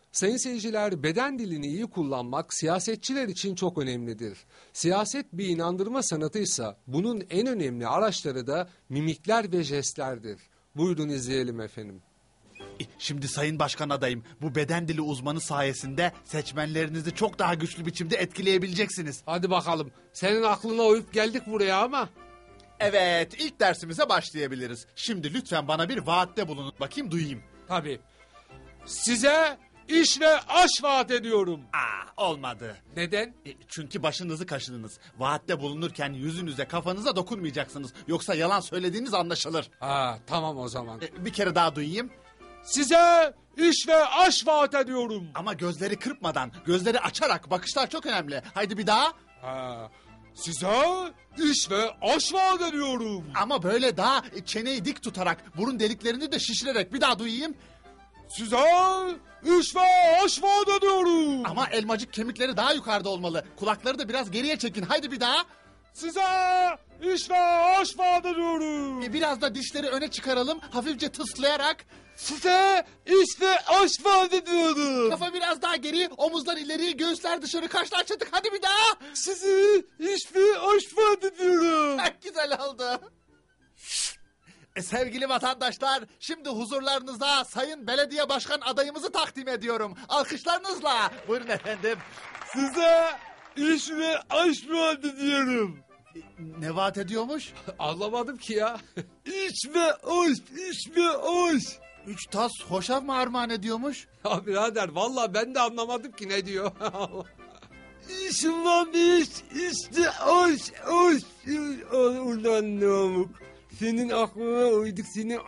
Sayın seyirciler, beden dilini iyi kullanmak siyasetçiler için çok önemlidir. Siyaset bir inandırma sanatıysa bunun en önemli araçları da mimikler ve jestlerdir. Buyurun izleyelim efendim. Şimdi Sayın Başkan adayım, bu beden dili uzmanı sayesinde seçmenlerinizi çok daha güçlü biçimde etkileyebileceksiniz. Hadi bakalım, senin aklına uyup geldik buraya ama. Evet, ilk dersimize başlayabiliriz. Şimdi lütfen bana bir vaatte bulunun, bakayım duyayım. Tabii. Size iş ve aş vaat ediyorum. Olmadı. Neden? Çünkü başınızı kaşıdınız. Vaatte bulunurken yüzünüze, kafanıza dokunmayacaksınız. Yoksa yalan söylediğiniz anlaşılır. Tamam o zaman. Bir kere daha duyayım. Size iş ve aş vaat ediyorum. Ama gözleri kırpmadan, gözleri açarak, bakışlar çok önemli. Haydi bir daha. Size iş ve aş vaat ediyorum. Ama böyle daha çeneyi dik tutarak, burun deliklerini de şişirerek bir daha duyayım. Size iş ve aş vaat ediyorum. Ama elmacık kemikleri daha yukarıda olmalı. Kulakları da biraz geriye çekin. Haydi bir daha. Size iş ve aş vaat ediyorum. Biraz da dişleri öne çıkaralım. Hafifçe tıslayarak. Size iş ve aş vaat ediyorum. Kafa biraz daha geri, omuzlar ileri, göğüsler dışarı, kaşlar çatık. Hadi bir daha. Size iş ve aş vaat ediyorum. Güzel oldu. Sevgili vatandaşlar, şimdi huzurlarınıza Sayın Belediye Başkan adayımızı takdim ediyorum. Alkışlarınızla. Buyurun efendim. Size iş ve aş vaat ediyorum. Ne vaat ediyormuş? Anlamadım ki ya. İş ve aş, iş ve aş. 3 tas hoşaf mı armağan ediyormuş? Ya birader vallahi ben de anlamadım ki ne diyor. İşim var iş, işte aş, aş. Ulan namuk. Senin aklına uyduk, senin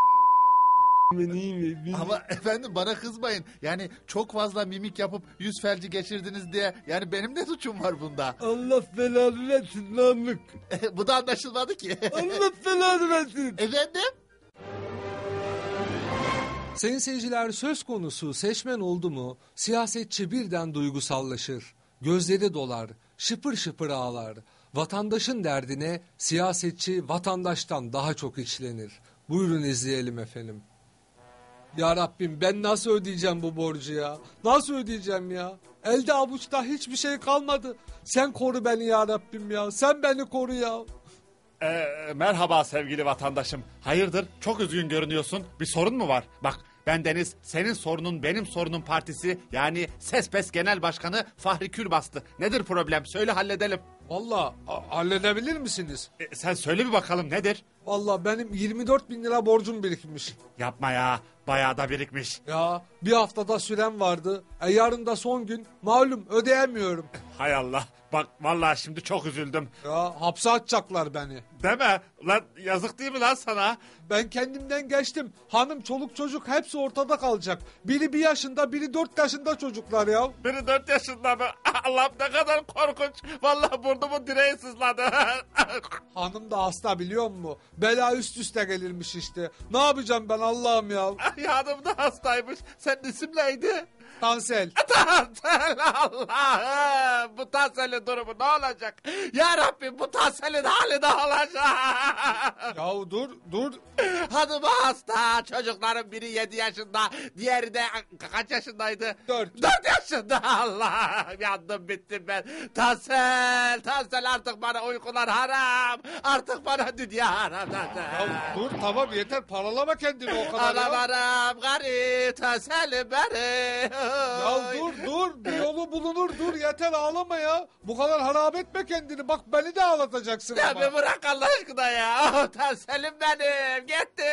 Ama efendim bana kızmayın. Yani çok fazla mimik yapıp yüz felci geçirdiniz diye. Yani benim ne suçum var bunda? Allah belanı versin namuk. Bu da anlaşılmadı ki. Allah belanı versin. Efendim? Sayın seyirciler, söz konusu seçmen oldu mu siyasetçi birden duygusallaşır. Gözleri dolar, şıpır şıpır ağlar. Vatandaşın derdine siyasetçi vatandaştan daha çok içlenir. Buyurun izleyelim efendim. Ya Rabbim, ben nasıl ödeyeceğim bu borcu ya? Nasıl ödeyeceğim ya? Elde avuçta hiçbir şey kalmadı. Sen koru beni ya Rabbim ya. Sen beni koru ya. Merhaba sevgili vatandaşım. Hayırdır? Çok üzgün görünüyorsun. Bir sorun mu var? Bak, ben Deniz, senin sorunun benim sorunum partisi, yani Sespes Genel Başkanı Fahri Külbastı. Nedir problem? Söyle, halledelim. Vallahi halledebilir misiniz? Sen söyle bir bakalım, nedir? Vallahi benim 24 bin lira borcum birikmiş. Yapma ya, bayağı da birikmiş. Ya bir haftada süren vardı. Yarın da son gün. Malum ödeyemiyorum. Hay Allah, bak vallahi şimdi çok üzüldüm. Ya hapse atacaklar beni. Deme lan, yazık değil mi lan sana? Ben kendimden geçtim. Hanım, çoluk çocuk hepsi ortada kalacak. Biri 1 yaşında, biri 4 yaşında çocuklar ya. Biri 4 yaşında mı? Allah'ım ne kadar korkunç. Vallahi burnumun direği sızladı. Hanım da hasta, biliyor musun? Bela üst üste gelirmiş işte. Ne yapacağım ben Allah'ım ya? Hanım da hastaymış. Senin isim neydi? Tansel. Tansel, Allah'ım. Bu Tansel'in durumu ne olacak? Ya Rabbim, bu Tansel'in hali ne olacak? Yahu dur. Hanım hasta. Çocukların biri 7 yaşında. Diğeri de kaç yaşındaydı? 4. 4 yaşında. Allah'ım, yandım bittim ben. Tansel artık bana uykular haram. Artık bana dünya haram. Ya dur tamam, yeter, paralama kendini o kadar ya. Anam gari, Tansel'im beni. Ya dur, bir yolu bulunur, dur yeter, ağlama ya. Bu kadar harap etme kendini, bak beni de ağlatacaksın Ya ama. bir bırak Allah aşkına ya. Tansel'im benim, gitti.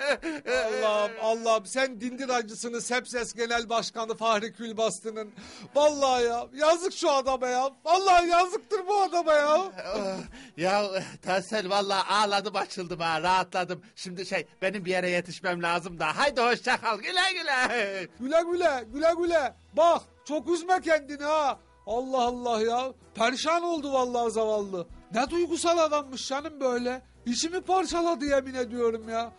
Allah'ım, sen dindir acısını Sepses Genel Başkanı Fahri Külbastı'nın. Vallahi ya, yazık şu adama ya. Vallahi yazıktır bu adama ya. Ya Tansel, vallahi ağladım, açıldım ha, rahatladım. Şimdi benim bir yere yetişmem lazım da. Haydi hoşça kal, güle güle. Güle. Bak, çok üzme kendini ha. Allah Allah ya. Perişan oldu vallahi zavallı. Ne duygusal adammış canım böyle. İçimi parçaladı, yemin ediyorum ya.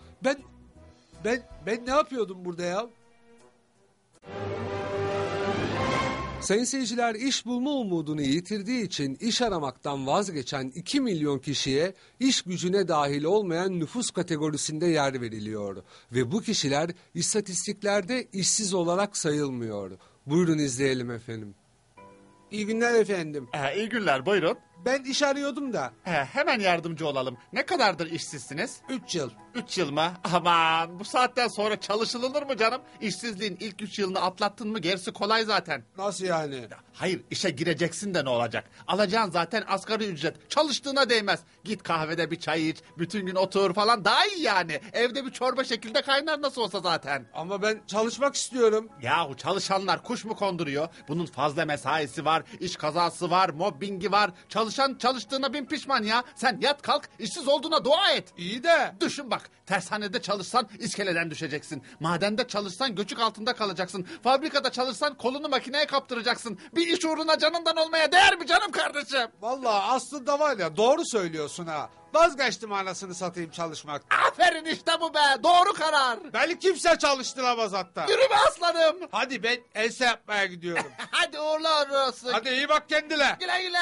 Ben ne yapıyordum burada ya? Sayın seyirciler, iş bulma umudunu yitirdiği için iş aramaktan vazgeçen 2 milyon kişiye iş gücüne dahil olmayan nüfus kategorisinde yer veriliyor. Ve bu kişiler istatistiklerde işsiz olarak sayılmıyor. Buyurun izleyelim efendim. İyi günler efendim. İyi günler, buyurun. Ben iş arıyordum da. Hemen yardımcı olalım. Ne kadardır işsizsiniz? 3 yıl. 3 yıl mı? Aman, bu saatten sonra çalışılır mı canım? İşsizliğin ilk 3 yılını atlattın mı gerisi kolay zaten. Nasıl yani? Hayır, işe gireceksin de ne olacak? Alacağın zaten asgari ücret. Çalıştığına değmez. Git kahvede bir çay iç, bütün gün otur falan, daha iyi yani. Evde bir çorba şekilde kaynar nasıl olsa zaten. Ama ben çalışmak istiyorum. Yahu çalışanlar kuş mu konduruyor? Bunun fazla mesaisi var, iş kazası var, mobbingi var. Çalışan çalıştığına bin pişman ya. Sen yat kalk, işsiz olduğuna dua et. İyi de. Düşün bak, tersanede çalışsan iskeleden düşeceksin. Madende çalışsan göçük altında kalacaksın. Fabrikada çalışsan kolunu makineye kaptıracaksın. Bir iş uğruna canından olmaya değer mi canım kardeşim? Vallahi aslında var ya, doğru söylüyorsun ha. Vazgeçtim anasını satayım çalışmaktan. Aferin, işte bu be, doğru karar. Beni kimse çalıştıramaz hatta. Yürü be aslanım. Hadi ben ense yapmaya gidiyorum. Hadi uğurlar olsun. Hadi iyi bak kendine. Güle güle.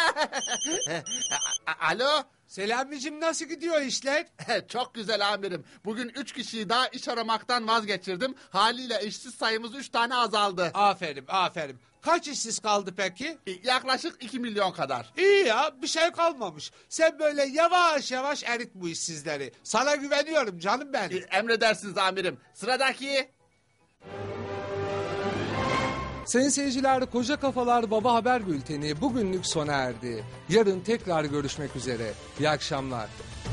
Alo. Selamicim, nasıl gidiyor işler? Çok güzel amirim. Bugün 3 kişiyi daha iş aramaktan vazgeçirdim. Haliyle işsiz sayımız 3 tane azaldı. Aferin aferin. Kaç işsiz kaldı peki? Yaklaşık 2 milyon kadar. İyi ya, bir şey kalmamış. Sen böyle yavaş yavaş erit bu işsizleri. Sana güveniyorum canım benim. Emredersiniz amirim. Sıradaki. Sayın seyirciler, Koca Kafalar Baba Haber Bülteni bugünlük sona erdi. Yarın tekrar görüşmek üzere. İyi akşamlar.